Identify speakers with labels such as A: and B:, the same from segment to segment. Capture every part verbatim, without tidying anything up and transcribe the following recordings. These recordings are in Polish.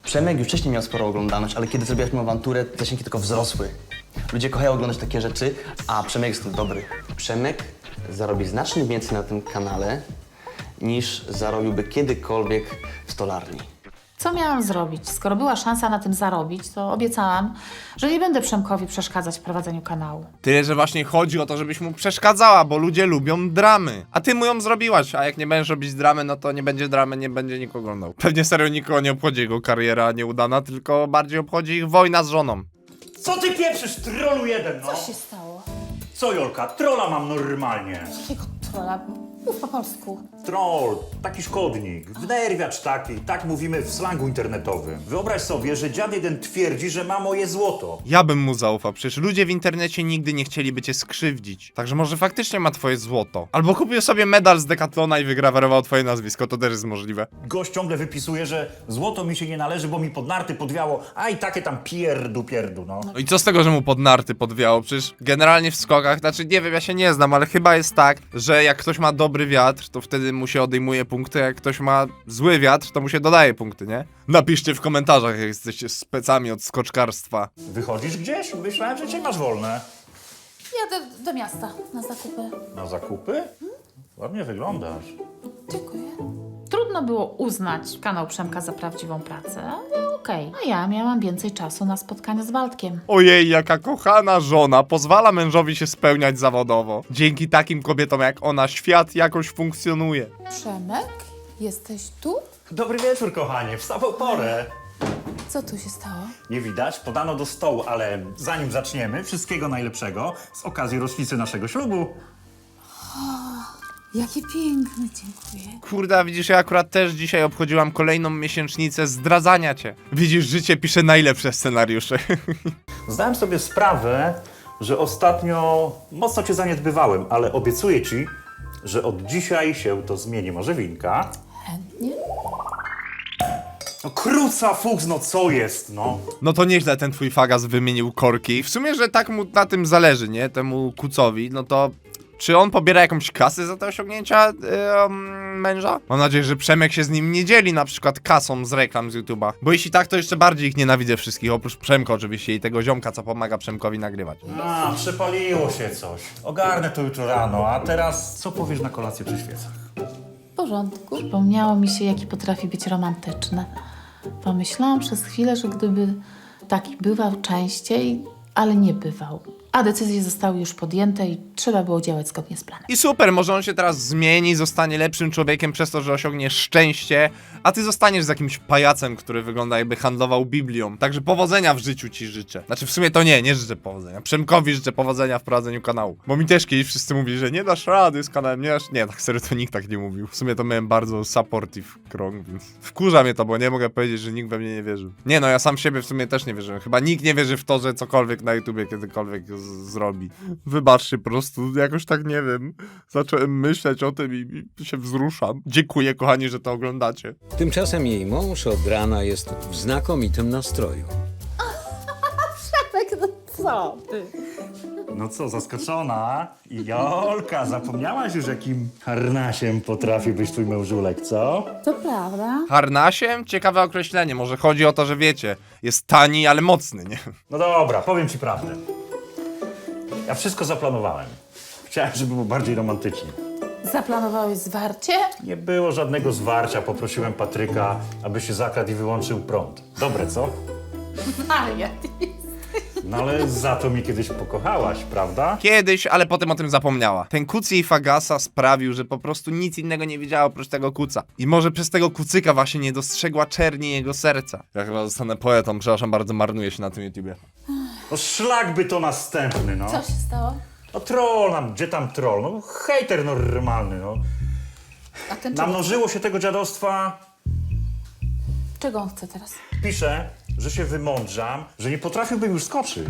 A: Przemek już wcześniej miał sporo oglądalność, ale kiedy zrobiłaś mu awanturę, zasięgi tylko wzrosły. Ludzie kochają oglądać takie rzeczy, a Przemek jest w tym dobry. Przemek zarobi znacznie więcej na tym kanale, niż zarobiłby kiedykolwiek w stolarni.
B: Co miałam zrobić? Skoro była szansa na tym zarobić, to obiecałam, że nie będę Przemkowi przeszkadzać w prowadzeniu kanału.
C: Tyle, że właśnie chodzi o to, żebyś mu przeszkadzała, bo ludzie lubią dramy. A ty mu ją zrobiłaś, a jak nie będziesz robić dramy, no to nie będzie dramy, nie będzie nikogo oglądał. Pewnie serio nikogo nie obchodzi jego kariera nieudana, tylko bardziej obchodzi ich wojna z żoną.
D: Co ty pieprzysz, trolu jeden, no?
B: Co się stało?
D: Co, Jolka, trolla mam normalnie.
B: Jakiego trolla? Mów po polsku.
D: Troll, taki szkodnik, wnerwiacz taki, tak mówimy w slangu internetowym. Wyobraź sobie, że dziad jeden twierdzi, że ma moje złoto.
C: Ja bym mu zaufał, przecież ludzie w internecie nigdy nie chcieliby cię skrzywdzić. Także może faktycznie ma twoje złoto. Albo kupił sobie medal z Decathlona i wygrawerował twoje nazwisko, to też jest możliwe.
D: Gość ciągle wypisuje, że złoto mi się nie należy, bo mi pod narty podwiało, a i takie tam pierdu pierdu, no.
C: No i co z tego, że mu pod narty podwiało? Przecież generalnie w skokach, znaczy nie wiem, ja się nie znam, ale chyba jest tak, że jak ktoś ma dobry wiatr, to wtedy mu się odejmuje punkty, a jak ktoś ma zły wiatr, to mu się dodaje punkty, nie? Napiszcie w komentarzach, jak jesteście specami od skoczkarstwa.
D: Wychodzisz gdzieś? Myślałem, że cię masz wolne.
B: Jadę do miasta na zakupy.
D: Na zakupy? Ładnie wyglądasz.
B: Dziękuję. Trudno było uznać kanał Przemka za prawdziwą pracę, ale okej. A ja miałam więcej czasu na spotkania z Waldkiem.
C: Ojej, jaka kochana żona pozwala mężowi się spełniać zawodowo. Dzięki takim kobietom jak ona świat jakoś funkcjonuje.
B: Przemek? Jesteś tu?
D: Dobry wieczór, kochanie, w samą porę.
B: Co tu się stało?
D: Nie widać, podano do stołu, ale zanim zaczniemy, wszystkiego najlepszego z okazji rocznicy naszego ślubu.
B: Jakie piękne, dziękuję.
C: Kurde, widzisz, ja akurat też dzisiaj obchodziłam kolejną miesięcznicę zdradzania cię. Widzisz, życie pisze najlepsze scenariusze.
D: Zdałem sobie sprawę, że ostatnio mocno cię zaniedbywałem, ale obiecuję ci, że od dzisiaj się to zmieni. Może winka?
B: Chętnie?
D: No kruca fuchs, no co jest, no?
C: No to nieźle ten twój fagas wymienił korki. W sumie, że tak mu na tym zależy, nie? Temu kucowi, no to... Czy on pobiera jakąś kasę za te osiągnięcia yy, męża? Mam nadzieję, że Przemek się z nim nie dzieli na przykład kasą z reklam z YouTube'a. Bo jeśli tak, to jeszcze bardziej ich nienawidzę wszystkich, oprócz Przemka oczywiście i tego ziomka, co pomaga Przemkowi nagrywać.
D: A, przepaliło się coś. Ogarnę to jutro rano, a teraz co powiesz na kolację przy świecach?
B: W porządku. Przypomniało mi się, jaki potrafi być romantyczny. Pomyślałam przez chwilę, że gdyby taki bywał częściej, ale nie bywał. A decyzje zostały już podjęte i trzeba było działać zgodnie z planem.
C: I super, może on się teraz zmieni, zostanie lepszym człowiekiem przez to, że osiągnie szczęście, a ty zostaniesz z jakimś pajacem, który wygląda jakby handlował Biblią. Także powodzenia w życiu ci życzę. Znaczy w sumie to nie, nie życzę powodzenia. Przemkowi życzę powodzenia w prowadzeniu kanału. Bo mi też kiedyś wszyscy mówili, że nie dasz rady z kanałem, nie dasz... Nie, tak serio to nikt tak nie mówił. W sumie to miałem bardzo supportive krąg, więc wkurza mnie to, bo nie mogę powiedzieć, że nikt we mnie nie wierzył. Nie no, ja sam w siebie w sumie też nie wierzyłem. Chyba nikt nie wierzy w to, że cokolwiek na YouTubie kiedykolwiek z- zrobi. Wybaczcie, po prostu jakoś tak, nie wiem, zacząłem myśleć o tym i, i się wzruszam. Dziękuję, kochani, że to oglądacie.
E: Tymczasem jej mąż od rana jest w znakomitym nastroju.
B: Tak, no co ty?
D: No co, zaskoczona? Jolka, zapomniałaś już, jakim harnasiem potrafi być twój mężulek, co?
B: To prawda.
C: Harnasiem? Ciekawe określenie. Może chodzi o to, że wiecie, jest tani, ale mocny, nie?
D: No dobra, powiem ci prawdę. Ja wszystko zaplanowałem. Chciałem, żeby było bardziej romantycznie.
B: Zaplanowałeś zwarcie?
D: Nie było żadnego zwarcia, poprosiłem Patryka, aby się zakradł i wyłączył prąd. Dobre, co?
B: Wariat.
D: No ale za to mi kiedyś pokochałaś, prawda?
C: Kiedyś, ale potem o tym zapomniała. Ten kuc jej fagasa sprawił, że po prostu nic innego nie widziała oprócz tego kuca. I może przez tego kucyka właśnie nie dostrzegła czerni jego serca. Ja chyba zostanę poetą, przepraszam bardzo, marnuję się na tym YouTubie.
D: No szlak by to następny, no.
B: Co się stało?
D: No troll nam, gdzie tam troll? No hejter normalny, no.
B: A ten czego,
D: Namnożyło się tego dziadostwa.
B: czego on chce teraz?
D: Pisze, że się wymądrzam, że nie potrafiłbym już skoczyć.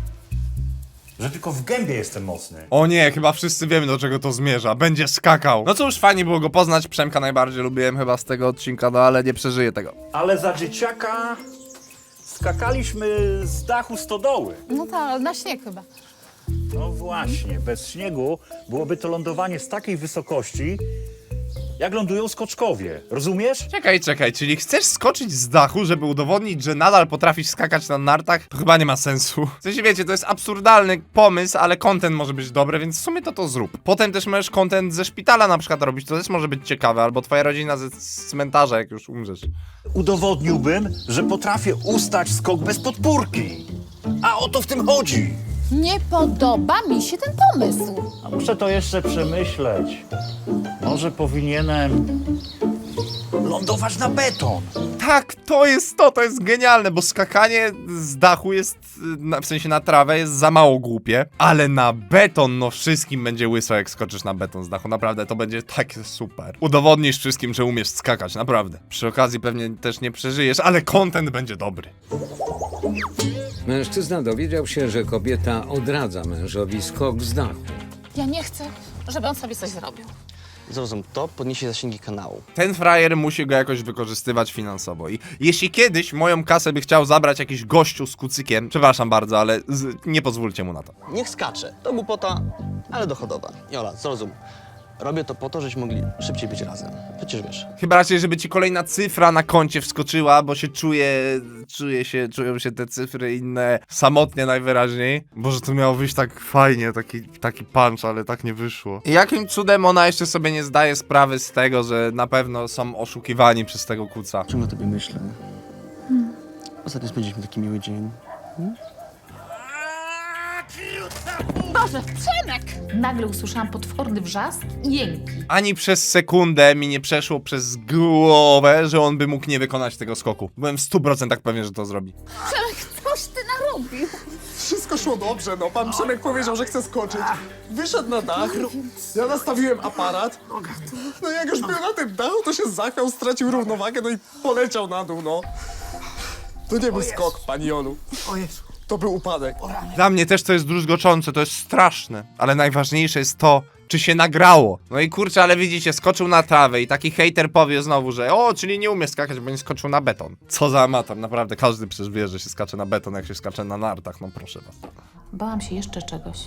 D: Że tylko w gębie jestem mocny.
C: O nie, chyba wszyscy wiemy, do czego to zmierza. Będzie skakał. No cóż, fajnie było go poznać. Przemka najbardziej lubiłem chyba z tego odcinka, no ale nie przeżyję tego.
D: Ale za dzieciaka skakaliśmy z dachu stodoły.
B: No tak, na śnieg chyba.
D: No właśnie, bez śniegu byłoby to lądowanie z takiej wysokości, jak lądują skoczkowie. Rozumiesz?
C: Czekaj, czekaj, czyli chcesz skoczyć z dachu, żeby udowodnić, że nadal potrafisz skakać na nartach? To chyba nie ma sensu. W sensie wiecie, to jest absurdalny pomysł, ale content może być dobry, więc w sumie to to zrób. Potem też możesz content ze szpitala na przykład robić, to też może być ciekawe, albo twoja rodzina ze z cmentarza, jak już umrzesz.
D: Udowodniłbym, że potrafię ustać skok bez podpórki. A o to w tym chodzi.
F: Nie podoba mi się ten pomysł.
D: A muszę to jeszcze przemyśleć. Może powinienem lądować na beton.
C: Tak, to jest to, to jest genialne, bo skakanie z dachu jest, na, w sensie na trawę jest za mało głupie, ale na beton, no wszystkim będzie łyso, jak skoczysz na beton z dachu, naprawdę, to będzie takie super. Udowodnisz wszystkim, że umiesz skakać, naprawdę. Przy okazji pewnie też nie przeżyjesz, ale content będzie dobry.
E: Mężczyzna dowiedział się, że kobieta odradza mężowi skok z dachu.
F: Ja nie chcę, żeby on sobie coś zrobił.
A: Zrozum, to podniesie zasięgi kanału.
C: Ten frajer musi go jakoś wykorzystywać finansowo i jeśli kiedyś moją kasę by chciał zabrać jakiś gościu z kucykiem, przepraszam bardzo, ale z, nie pozwólcie mu na to.
A: Niech skacze. To głupota, ale dochodowa. Jola, zrozum. Robię to po to, żebyśmy mogli szybciej być razem. Przecież wiesz.
C: Chyba raczej, żeby ci kolejna cyfra na koncie wskoczyła, bo się czuje, czuje się, czują się te cyfry inne samotnie najwyraźniej. Boże, to miało wyjść tak fajnie, taki, taki punch, ale tak nie wyszło. I jakim cudem ona jeszcze sobie nie zdaje sprawy z tego, że na pewno są oszukiwani przez tego kuca.
A: Ciągle o tobie myślę. Hmm. Ostatnio spędziliśmy taki miły dzień.
F: Boże, Przemek!
B: Nagle usłyszałam potworny wrzask i jęki.
C: Ani przez sekundę mi nie przeszło przez głowę, że on by mógł nie wykonać tego skoku. Byłem w stu procentach pewien, że to zrobi.
F: Przemek, coś ty narobił.
G: Wszystko szło dobrze, no. Pan Przemek powiedział, że chce skoczyć. Wyszedł na dach, ja nastawiłem aparat. No i jak już był na tym dachu, to się zachwiał, stracił równowagę, no i poleciał na dół, no. To nie był skok, pani Jolu. To był upadek.
C: Dla mnie też to jest druzgoczące, to jest straszne, ale najważniejsze jest to, czy się nagrało. No i kurczę, ale widzicie, skoczył na trawę i taki hejter powie znowu, że o, czyli nie umie skakać, bo nie skoczył na beton. Co za amator, naprawdę każdy przecież wie, że się skacze na beton, jak się skacze na nartach, no proszę was.
B: Bałam się jeszcze czegoś.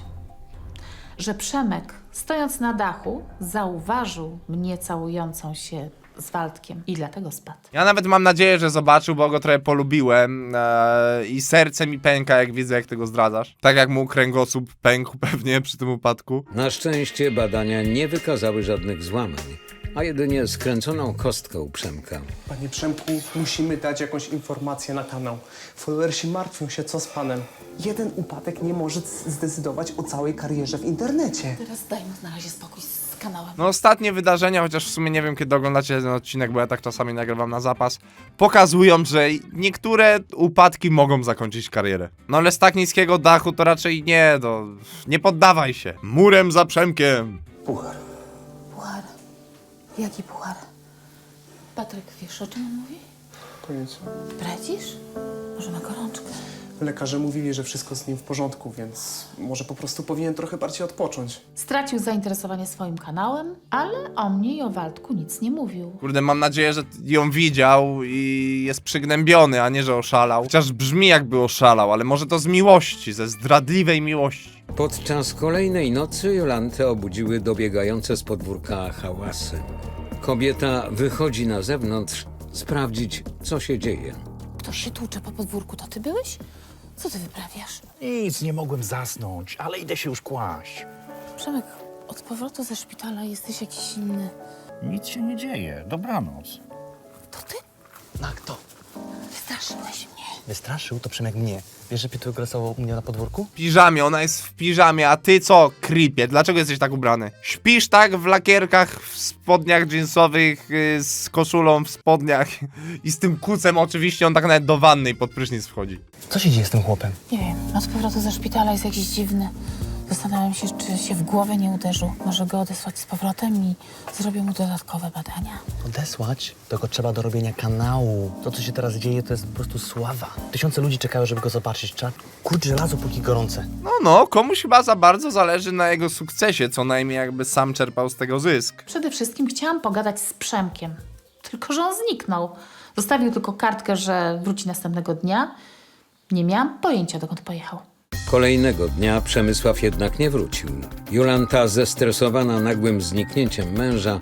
B: Że Przemek, stojąc na dachu, zauważył mnie całującą się z Waldkiem i dlatego spadł.
C: Ja nawet mam nadzieję, że zobaczył, bo go trochę polubiłem ee, i serce mi pęka, jak widzę, jak ty go zdradzasz. Tak jak mu kręgosłup pękł pewnie przy tym upadku.
E: Na szczęście badania nie wykazały żadnych złamań, a jedynie skręconą kostkę u Przemka.
G: Panie Przemku, musimy dać jakąś informację na kanał. Followersi martwią się, co z panem. Jeden upadek nie może zdecydować o całej karierze w internecie.
F: Teraz daj mu na razie spokój z kanałem.
C: No ostatnie wydarzenia, chociaż w sumie nie wiem, kiedy oglądacie ten odcinek, bo ja tak czasami nagrywam na zapas, pokazują, że niektóre upadki mogą zakończyć karierę. No ale z tak niskiego dachu to raczej nie, no, nie poddawaj się. Murem za Przemkiem.
G: Puchar.
F: Puchar. Jaki puchar? Patryk, wiesz, o czym on mówi?
G: Pojęcia.
F: Bredzisz? Może ma gorączkę?
G: Lekarze mówili, że wszystko z nim w porządku, więc może po prostu powinien trochę bardziej odpocząć.
B: Stracił zainteresowanie swoim kanałem, ale o mnie i o Waldku nic nie mówił.
C: Kurde, mam nadzieję, że ją widział i jest przygnębiony, a nie, że oszalał. Chociaż brzmi, jakby oszalał, ale może to z miłości, ze zdradliwej miłości.
E: Podczas kolejnej nocy Jolantę obudziły dobiegające z podwórka hałasy. Kobieta wychodzi na zewnątrz sprawdzić, co się dzieje.
F: Ktoś się tłucze po podwórku, to ty byłeś? Co ty wyprawiasz?
D: Nic, nie mogłem zasnąć, ale idę się już kłaść.
F: Przemek, od powrotu ze szpitala jesteś jakiś inny.
D: Nic się nie dzieje. Dobranoc.
F: To ty?
A: No a kto?
F: Wystraszyłeś mnie.
A: Wystraszył? To Przemek mnie. Wiesz, że Piotr grasował u mnie na podwórku?
C: W piżamie, ona jest w piżamie, a ty co, creepie? Dlaczego jesteś tak ubrany? Śpisz tak w lakierkach, w spodniach jeansowych, yy, z koszulą w spodniach i z tym kucem oczywiście, on tak nawet do wanny i pod prysznic wchodzi.
A: Co się dzieje z tym chłopem?
F: Nie wiem, od powrotu ze szpitala jest jakiś dziwny. Zastanawiam się, czy się w głowę nie uderzył. Może go odesłać z powrotem i zrobię mu dodatkowe badania.
A: Odesłać? To go trzeba do robienia kanału. To, co się teraz dzieje, to jest po prostu sława. Tysiące ludzi czekają, żeby go zobaczyć. Trzeba kurcz żelazo, póki gorące.
C: No, no, komuś chyba za bardzo zależy na jego sukcesie, co najmniej jakby sam czerpał z tego zysk.
B: Przede wszystkim chciałam pogadać z Przemkiem. Tylko że on zniknął. Zostawił tylko kartkę, że wróci następnego dnia. Nie miałam pojęcia, dokąd pojechał.
E: Kolejnego dnia Przemysław jednak nie wrócił. Jolanta, zestresowana nagłym zniknięciem męża,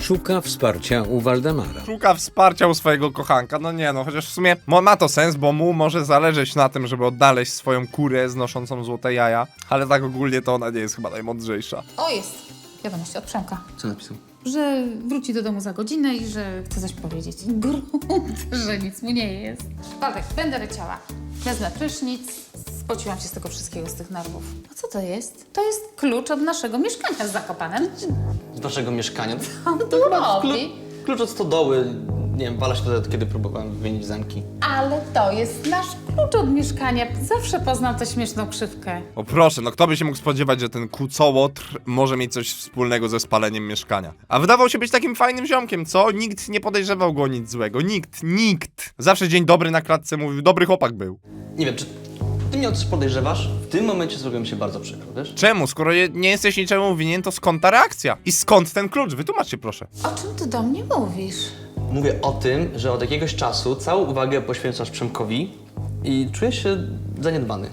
E: szuka wsparcia u Waldemara.
C: Szuka wsparcia u swojego kochanka. No nie no, chociaż w sumie mo- ma to sens, bo mu może zależeć na tym, żeby odnaleźć swoją kurę znoszącą złote jaja. Ale tak ogólnie to ona nie jest chyba najmądrzejsza.
F: O, jest. Wiadomość od Przemka.
A: Co napisał?
F: Że wróci do domu za godzinę i że chce coś powiedzieć. Grunt, że nic mu nie jest. Waldek, będę leciała. Wezmę prysznic. Spociłam się z tego wszystkiego, z tych nerwów. A co to jest? To jest klucz od naszego mieszkania z Zakopanem.
A: Z naszego mieszkania.
F: On tu robi.
A: Klucz od stodoły. Nie wiem, wala się wtedy, kiedy próbowałem wymienić zamki.
F: Ale to jest nasz klucz od mieszkania. Zawsze poznał tę śmieszną krzywkę.
C: O proszę, no kto by się mógł spodziewać, że ten kucołotr może mieć coś wspólnego ze spaleniem mieszkania. A wydawał się być takim fajnym ziomkiem, co? Nikt nie podejrzewał go o nic złego. Nikt, nikt. Zawsze dzień dobry na klatce mówił, dobry chłopak był.
A: Nie wiem, czy ty mnie o coś podejrzewasz? W tym momencie zrobiło mi się bardzo przykro, wiesz?
C: Czemu? Skoro je- nie jesteś niczemu winien, to skąd ta reakcja? I skąd ten klucz? Wytłumaczcie proszę.
F: O czym ty do mnie mówisz?
A: Mówię o tym, że od jakiegoś czasu całą uwagę poświęcasz Przemkowi i czuję się zaniedbany.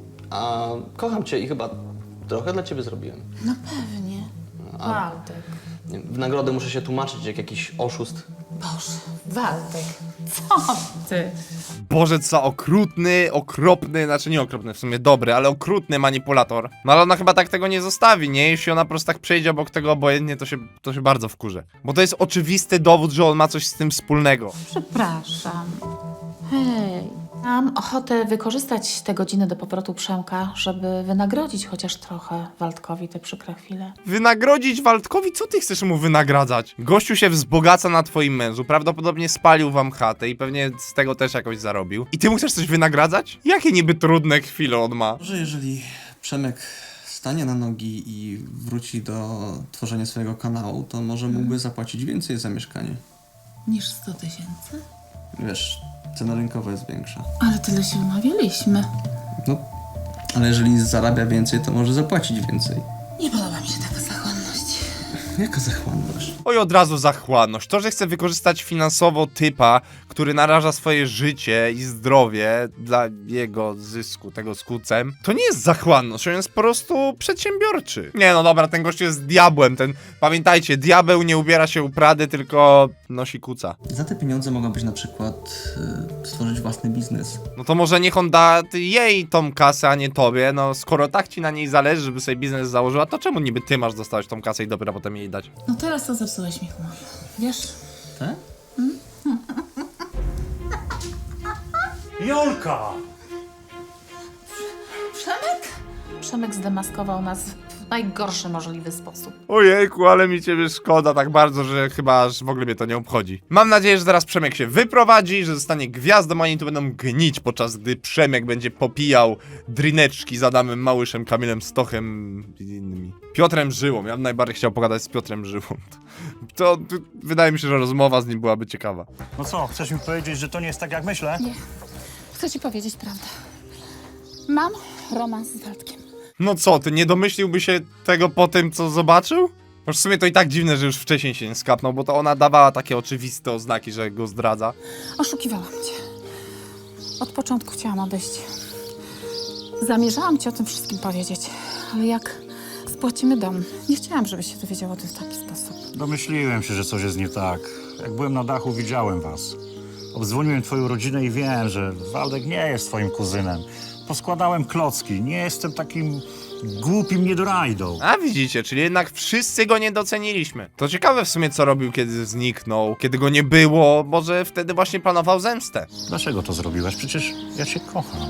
A: A kocham cię i chyba trochę dla ciebie zrobiłem.
F: No pewnie. Waldek.
A: Nie wiem, w nagrodę muszę się tłumaczyć jak jakiś oszust.
F: Boże, Waldek. Co ty?
C: Boże, co okrutny, okropny, znaczy nie okropny, w sumie dobry, ale okrutny manipulator. No ale ona chyba tak tego nie zostawi, nie? Jeśli ona po prostu tak przejdzie obok tego obojętnie, to się, to się bardzo wkurzę. Bo to jest oczywisty dowód, że on ma coś z tym wspólnego.
F: Przepraszam.
B: Hej, mam ochotę wykorzystać te godziny do powrotu Przemka, żeby wynagrodzić chociaż trochę Waldkowi te przykre chwile.
C: Wynagrodzić Waldkowi? Co ty chcesz mu wynagradzać? Gościu się wzbogaca na twoim mężu, prawdopodobnie spalił wam chatę i pewnie z tego też jakoś zarobił. I ty mu chcesz coś wynagradzać? Jakie niby trudne chwile on ma?
A: Może jeżeli Przemek stanie na nogi i wróci do tworzenia swojego kanału, to może mógłby zapłacić więcej za mieszkanie.
F: Niż sto tysięcy?
A: Wiesz, cena rynkowa jest większa.
F: Ale tyle się umawialiśmy.
A: No, ale jeżeli zarabia więcej, to może zapłacić więcej.
F: Nie podoba mi się taka zachłanność.
A: Jaka zachłanność?
C: Oj, od razu zachłanność. To, że chce wykorzystać finansowo typa, który naraża swoje życie i zdrowie dla jego zysku, tego z kucem, to nie jest zachłanność, on jest po prostu przedsiębiorczy. Nie no dobra, ten gość jest diabłem, ten, pamiętajcie, diabeł nie ubiera się u Prady, tylko nosi kuca.
A: Za te pieniądze mogłabyś na przykład y, stworzyć własny biznes.
C: No to może niech on da jej tą kasę, a nie tobie, no skoro tak ci na niej zależy, żeby sobie biznes założyła, to czemu niby ty masz dostać tą kasę i dopiero potem jej dać?
F: No teraz to zepsułeś mi humor. Wiesz?
A: Tak?
D: Jolka!
F: Przemek?
B: Przemek zdemaskował nas w najgorszy możliwy sposób.
C: Ojejku, ale mi ciebie szkoda tak bardzo, że chyba aż w ogóle mnie to nie obchodzi. Mam nadzieję, że zaraz Przemek się wyprowadzi, że zostanie gwiazdą, a oni tu będą gnić, podczas gdy Przemek będzie popijał drineczki z Adamem Małyszem, Kamilem Stochem i innymi. Piotrem Żyłą. Ja bym najbardziej chciał pogadać z Piotrem Żyłą. To, to wydaje mi się, że rozmowa z nim byłaby ciekawa.
D: No co, chcesz mi powiedzieć, że to nie jest tak jak myślę?
F: Nie. Chcę ci powiedzieć prawdę. Mam romans z Waldkiem.
C: No co, ty nie domyśliłby się tego po tym, co zobaczył? Już w sumie to i tak dziwne, że już wcześniej się nie skapnął, bo to ona dawała takie oczywiste oznaki, że go zdradza.
F: Oszukiwałam cię. Od początku chciałam odejść. Zamierzałam ci o tym wszystkim powiedzieć, ale jak spłacimy dom, nie chciałam, żebyś się dowiedział o tym w taki sposób.
D: Domyśliłem się, że coś jest nie tak. Jak byłem na dachu, widziałem was. Obdzwoniłem twoją rodzinę i wiem, że Waldek nie jest twoim kuzynem. Poskładałem klocki, nie jestem takim głupim niedorajdą.
C: A widzicie, czyli jednak wszyscy go nie doceniliśmy. To ciekawe w sumie, co robił, kiedy zniknął, kiedy go nie było, może wtedy właśnie planował zemstę.
D: Dlaczego to zrobiłeś? Przecież ja cię kocham.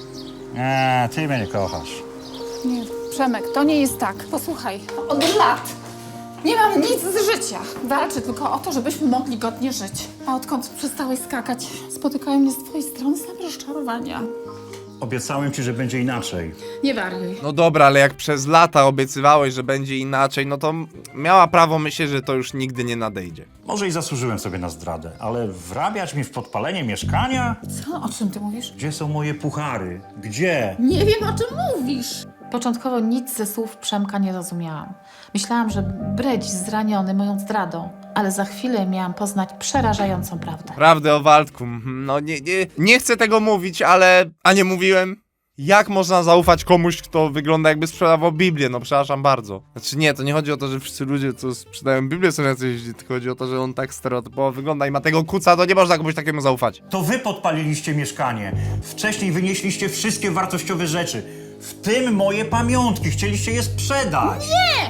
D: Nie, ty mnie nie kochasz.
F: Nie, Przemek, to nie jest tak. Posłuchaj, od lat nie mam nic z życia. Walczę tylko o to, żebyśmy mogli godnie żyć. A odkąd przestałeś skakać, spotykają mnie z twojej strony same rozczarowania.
D: Obiecałem ci, że będzie inaczej.
F: Nie wariuj.
C: No dobra, ale jak przez lata obiecywałeś, że będzie inaczej, no to miała prawo myśleć, że to już nigdy nie nadejdzie.
D: Może i zasłużyłem sobie na zdradę, ale wrabiać mi w podpalenie mieszkania?
F: Co? O czym ty mówisz?
D: Gdzie są moje puchary? Gdzie?
F: Nie wiem, o czym mówisz.
B: Początkowo nic ze słów Przemka nie rozumiałam. Myślałam, że bredzi zraniony moją zdradą, ale za chwilę miałam poznać przerażającą prawdę.
C: Prawdę o Waldku, mhm, no nie, nie, nie chcę tego mówić, ale... A nie mówiłem? Jak można zaufać komuś, kto wygląda jakby sprzedawał Biblię? No przepraszam bardzo. Znaczy nie, to nie chodzi o to, że wszyscy ludzie, co sprzedają Biblię, są jacyś, tylko chodzi o to, że on tak stereotypowo wygląda i ma tego kuca, to nie można komuś takiemu zaufać.
D: To wy podpaliliście mieszkanie. Wcześniej wynieśliście wszystkie wartościowe rzeczy. W tym moje pamiątki. Chcieliście je sprzedać.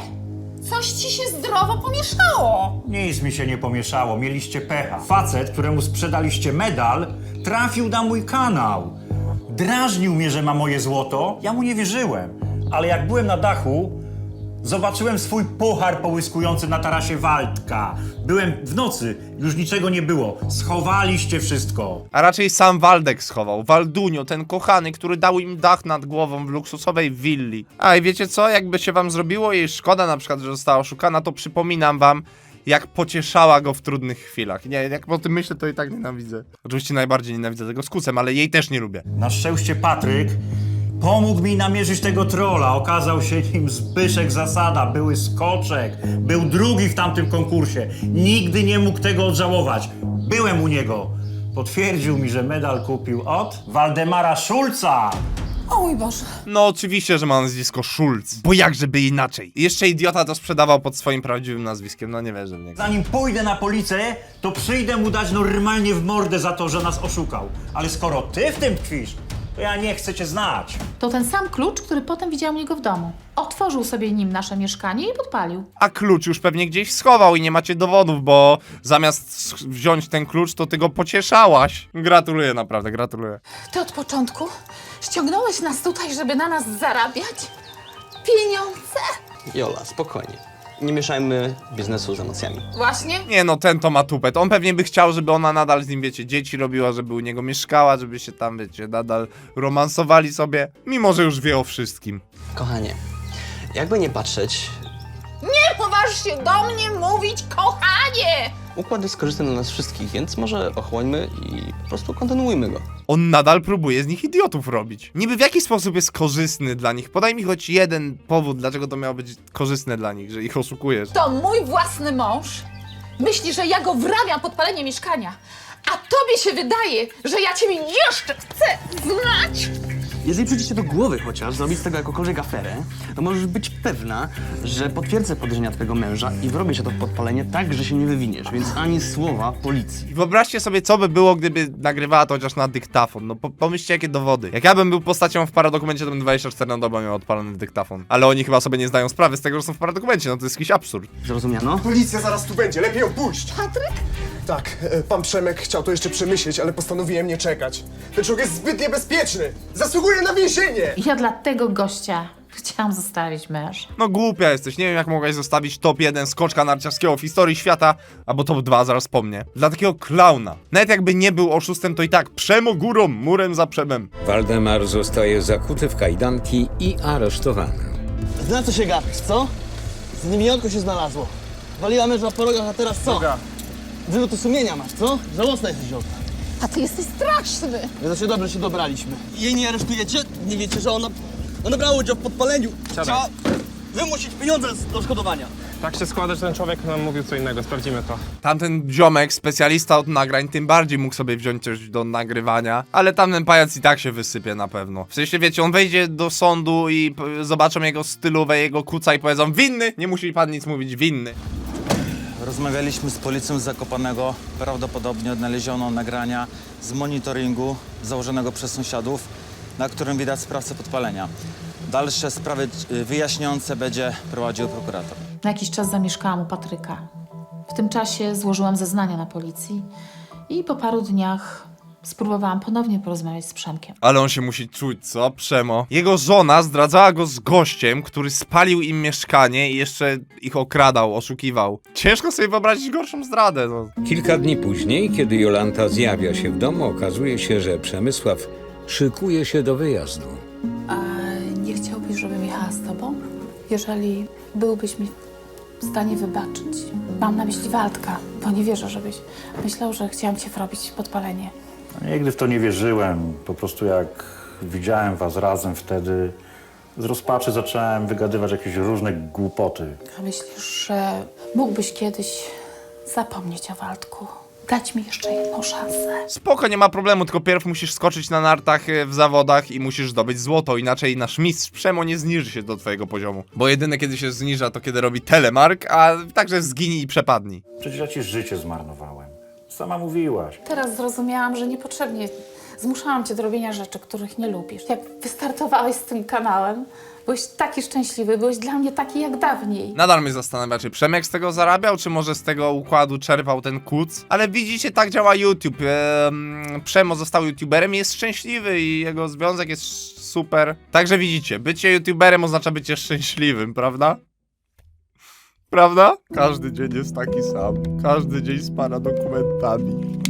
F: Coś ci się zdrowo pomieszało.
D: Nic mi się nie pomieszało. Mieliście pecha. Facet, któremu sprzedaliście medal, trafił na mój kanał. Drażnił mnie, że ma moje złoto. Ja mu nie wierzyłem. Ale jak byłem na dachu, zobaczyłem swój puchar połyskujący na tarasie Waldka. Byłem w nocy, już niczego nie było. Schowaliście wszystko.
C: A raczej sam Waldek schował. Waldunio, ten kochany, który dał im dach nad głową w luksusowej willi. A i wiecie co? Jakby się wam zrobiło jej szkoda na przykład, że została oszukana, to przypominam wam, jak pocieszała go w trudnych chwilach. Nie, jak o tym myślę, to i tak nienawidzę. Oczywiście najbardziej nienawidzę tego z kucem, ale jej też nie lubię.
D: Na szczęście Patryk pomógł mi namierzyć tego trolla. Okazał się nim Zbyszek Zasada, były skoczek. Był drugi w tamtym konkursie. Nigdy nie mógł tego odżałować. Byłem u niego. Potwierdził mi, że medal kupił od Waldemara Szulca.
F: O mój Boże.
C: No oczywiście, że ma nazwisko Schulz, bo jakżeby inaczej. I jeszcze idiota to sprzedawał pod swoim prawdziwym nazwiskiem, no nie wierzę w niego.
D: Zanim pójdę na policję, to przyjdę mu dać normalnie w mordę za to, że nas oszukał. Ale skoro ty w tym tkwisz, to ja nie chcę cię znać.
B: To ten sam klucz, który potem widział u niego w domu. Otworzył sobie nim nasze mieszkanie i podpalił.
C: A klucz już pewnie gdzieś schował i nie macie dowodów, bo zamiast wziąć ten klucz, to ty go pocieszałaś. Gratuluję, naprawdę, gratuluję.
F: Ty od początku ściągnąłeś nas tutaj, żeby na nas zarabiać pieniądze?
A: Jola, spokojnie. Nie mieszajmy biznesu z emocjami.
F: Właśnie.
C: Nie no, ten to ma tupet. On pewnie by chciał, żeby ona nadal z nim, wiecie, dzieci robiła, żeby u niego mieszkała, żeby się tam, wiecie, nadal romansowali sobie, mimo że już wie o wszystkim.
A: Kochanie, jakby nie patrzeć,
F: Nie poważ się do mnie mówić, kochanie!
A: układ jest korzystny dla nas wszystkich, więc może ochłońmy i po prostu kontynuujmy go.
C: On nadal próbuje z nich idiotów robić. Niby w jaki sposób jest korzystny dla nich? Podaj mi choć jeden powód, dlaczego to miało być korzystne dla nich, że ich oszukujesz.
F: To mój własny mąż myśli, że ja go wrabiam podpalenie mieszkania, a tobie się wydaje, że ja ciebie jeszcze chcę znać?
A: Jeżeli przyjdzie ci do głowy chociaż zrobić z tego jakąkolwiek aferę, to możesz być pewna, że potwierdzę podejrzenia twojego męża i wrobię się to w podpalenie tak, że się nie wywiniesz, więc ani słowa policji.
C: I wyobraźcie sobie, co by było, gdyby nagrywała to chociaż na dyktafon. No po pomyślcie, jakie dowody. Jak ja bym był postacią w paradokumencie, to bym dwadzieścia cztery na dobę miał odpalony dyktafon. Ale oni chyba sobie nie zdają sprawy z tego, że są w paradokumencie, no to jest jakiś absurd.
A: Zrozumiano?
G: Policja zaraz tu będzie, lepiej ją puść. Patryk? Tak, e, pan Przemek chciał to jeszcze przemyśleć, ale postanowiłem nie czekać. Ten człowiek jest zbyt niebezpieczny. Zasługuje na więzienie.
B: Ja dla tego gościa chciałam zostawić męż.
C: No głupia jesteś, nie wiem jak mogłaś zostawić top jeden skoczka narciarskiego w historii świata, albo top dwa, zaraz po mnie. Dla takiego klauna. Nawet jakby nie był oszustem, to i tak przemo górą, murem za przemem.
E: Waldemar zostaje zakuty w kajdanki i aresztowany.
A: Na co się gapisz, co? Z niewiniątko się znalazło. Waliła męża po rogach, a teraz co? Wyrzuty sumienia masz, co? Żałosna jesteś, Jolka.
F: A ty jesteś straszny.
A: No to się dobrze się dobraliśmy. Jej nie aresztujecie? Nie wiecie, że ona, ona brała udział w podpaleniu. Trzeba wymusić pieniądze z odszkodowania.
H: Tak się składa, że ten człowiek nam mówił co innego, sprawdzimy to.
C: Tamten ziomek, specjalista od nagrań, tym bardziej mógł sobie wziąć coś do nagrywania, ale tamten pajac i tak się wysypie na pewno. W sensie, wiecie, on wejdzie do sądu i p- zobaczą jego stylówę, jego kuca i powiedzą winny, nie musi pan nic mówić, winny.
I: Rozmawialiśmy z policją z Zakopanego. Prawdopodobnie odnaleziono nagrania z monitoringu założonego przez sąsiadów, na którym widać sprawcę podpalenia. Dalsze sprawy y, wyjaśniające będzie prowadził prokurator.
B: Na jakiś czas zamieszkałam u Patryka. W tym czasie złożyłam zeznania na policji i po paru dniach spróbowałam ponownie porozmawiać z Przemkiem.
C: Ale on się musi czuć, co? Przemo. Jego żona zdradzała go z gościem, który spalił im mieszkanie i jeszcze ich okradał, oszukiwał. Ciężko sobie wyobrazić gorszą zdradę, no.
E: Kilka dni później, kiedy Jolanta zjawia się w domu, okazuje się, że Przemysław szykuje się do wyjazdu.
B: A nie chciałbyś, żebym jechała z tobą? Jeżeli byłbyś mi w stanie wybaczyć. Mam na myśli Waldka, bo nie wierzę, żebyś myślał, że chciałam cię wrobić podpalenie.
D: Nigdy w to nie wierzyłem. Po prostu jak widziałem was razem wtedy, z rozpaczy zacząłem wygadywać jakieś różne głupoty.
B: A myślisz, że mógłbyś kiedyś zapomnieć o Waldku? dać mi jeszcze jedną szansę.
C: Spoko, nie ma problemu, tylko pierw musisz skoczyć na nartach e, w zawodach i musisz zdobyć złoto, inaczej nasz mistrz Przemo nie zniży się do twojego poziomu. Bo jedyne kiedy się zniża, to kiedy robi telemark, a także zginij i przepadnij.
D: Przecież ja ci życie zmarnowałem. Sama mówiłaś.
B: Teraz zrozumiałam, że niepotrzebnie zmuszałam cię do robienia rzeczy, których nie lubisz. Jak wystartowałeś z tym kanałem, byłeś taki szczęśliwy, byłeś dla mnie taki jak dawniej.
C: Nadal mnie zastanawia, czy Przemek z tego zarabiał, czy może z tego układu czerpał ten kuc. Ale widzicie, tak działa YouTube. Ehm, Przemo został youtuberem i jest szczęśliwy i jego związek jest super. Także widzicie, bycie youtuberem oznacza bycie szczęśliwym, prawda? Prawda? Każdy dzień jest taki sam. Każdy dzień z pana dokumentami.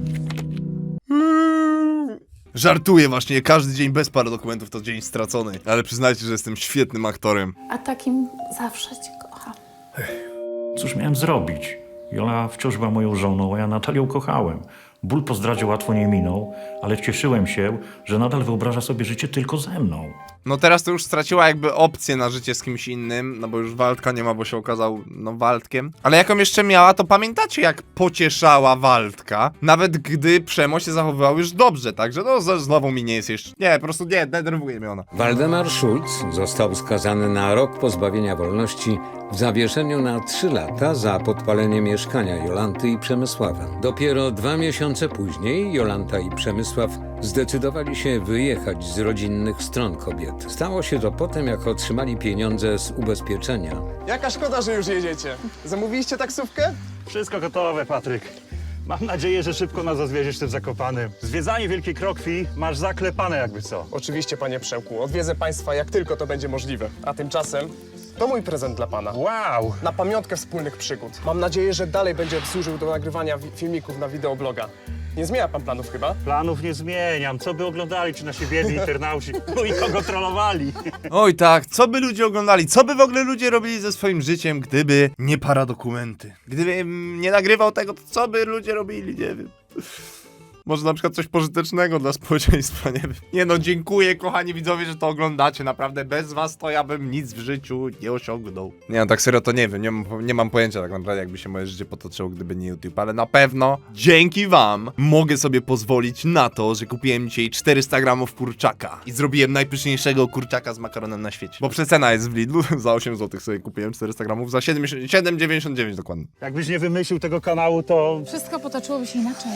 C: Żartuję właśnie, każdy dzień bez paradokumentów to dzień stracony. Ale przyznajcie, że jestem świetnym aktorem.
B: A takim zawsze cię kocham.
D: Cóż miałem zrobić? Jola wciąż była moją żoną, a ja Natalię kochałem. Ból po zdradzie łatwo nie minął, ale cieszyłem się, że nadal wyobraża sobie życie tylko ze mną.
C: No teraz to już straciła jakby opcję na życie z kimś innym, no bo już Waldka nie ma, bo się okazał, no, Waldkiem. Ale jaką jeszcze miała, to pamiętacie, jak pocieszała Waldka, nawet gdy Przemo się zachowywał już dobrze, także no z- znowu mi nie jest jeszcze, nie, po prostu nie, denerwuje mnie ona.
E: Waldemar Schulz został skazany na rok pozbawienia wolności w zawieszeniu na trzy lata za podpalenie mieszkania Jolanty i Przemysława. Dopiero dwa miesiące później Jolanta i Przemysław zdecydowali się wyjechać z rodzinnych stron kobiet. Stało się to po tym, jak otrzymali pieniądze z ubezpieczenia.
G: Jaka szkoda, że już jedziecie. Zamówiliście taksówkę?
D: Wszystko gotowe, Patryk. Mam nadzieję, że szybko nas odwieziesz tym Zakopanym. Zwiedzanie Wielkiej Krokwi masz zaklepane jakby co.
G: Oczywiście, panie Przełku. Odwiedzę państwa jak tylko to będzie możliwe. A tymczasem to mój prezent dla pana.
D: Wow!
G: Na pamiątkę wspólnych przygód. Mam nadzieję, że dalej będzie służył do nagrywania wi- filmików na wideobloga. Nie zmienia pan planów chyba?
D: Planów nie zmieniam. Co by oglądali ci nasi biedni internauci? No i kogo trollowali?
C: Oj tak, co by ludzie oglądali, co by w ogóle ludzie robili ze swoim życiem, gdyby nie paradokumenty? Gdybym nie nagrywał tego, to co by ludzie robili, nie wiem. Może na przykład coś pożytecznego dla społeczeństwa, nie wiem. Nie no, dziękuję kochani widzowie, że to oglądacie, naprawdę bez was to ja bym nic w życiu nie osiągnął. Nie no, tak serio to nie wiem, nie mam, nie mam pojęcia tak naprawdę jakby się moje życie potoczyło, gdyby nie YouTube, ale na pewno dzięki wam mogę sobie pozwolić na to, że kupiłem dzisiaj czterysta gramów kurczaka i zrobiłem najpyszniejszego kurczaka z makaronem na świecie. Bo przecena jest w Lidlu, za osiem złotych sobie kupiłem czterysta gramów, za siedem dziewięćdziesiąt dziewięć dokładnie.
D: Jakbyś nie wymyślił tego kanału, to...
F: Wszystko potoczyłoby się inaczej.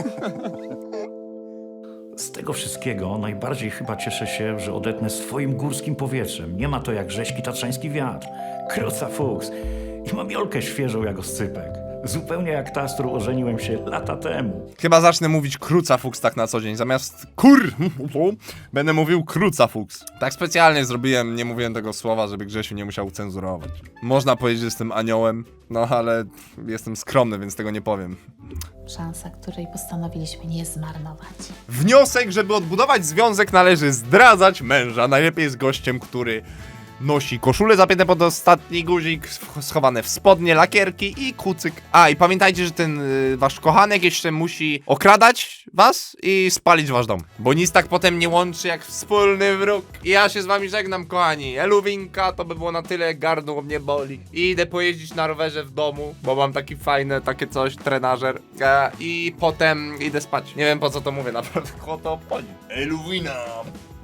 D: Z tego wszystkiego najbardziej chyba cieszę się, że odetnę swoim górskim powietrzem. Nie ma to jak rześki tatrzański wiatr. Kruca fuks. I mam Jolkę świeżą jak oscypek. Zupełnie jak ta, z którą ożeniłem się lata temu.
C: Chyba zacznę mówić kruca fuks tak na co dzień, zamiast kur będę mówił kruca fuks. Tak specjalnie zrobiłem, nie mówiłem tego słowa, żeby Grzesiu nie musiał cenzurować. Można powiedzieć, że jestem aniołem, no ale jestem skromny, więc tego nie powiem.
B: Szansa, której postanowiliśmy nie zmarnować.
C: Wniosek, żeby odbudować związek, należy zdradzać męża. Najlepiej jest gościem, który nosi koszulę zapięte pod ostatni guzik, schowane w spodnie, lakierki i kucyk. A, i pamiętajcie, że ten y, wasz kochanek jeszcze musi okradać was i spalić wasz dom. Bo nic tak potem nie łączy jak wspólny wróg. I ja się z wami żegnam, kochani. Eluwinka, to by było na tyle, gardło mnie boli. I idę pojeździć na rowerze w domu, bo mam taki fajny, takie coś, trenażer. E, I potem idę spać. Nie wiem po co to mówię, naprawdę, kogo to obchodzi. Eluwina!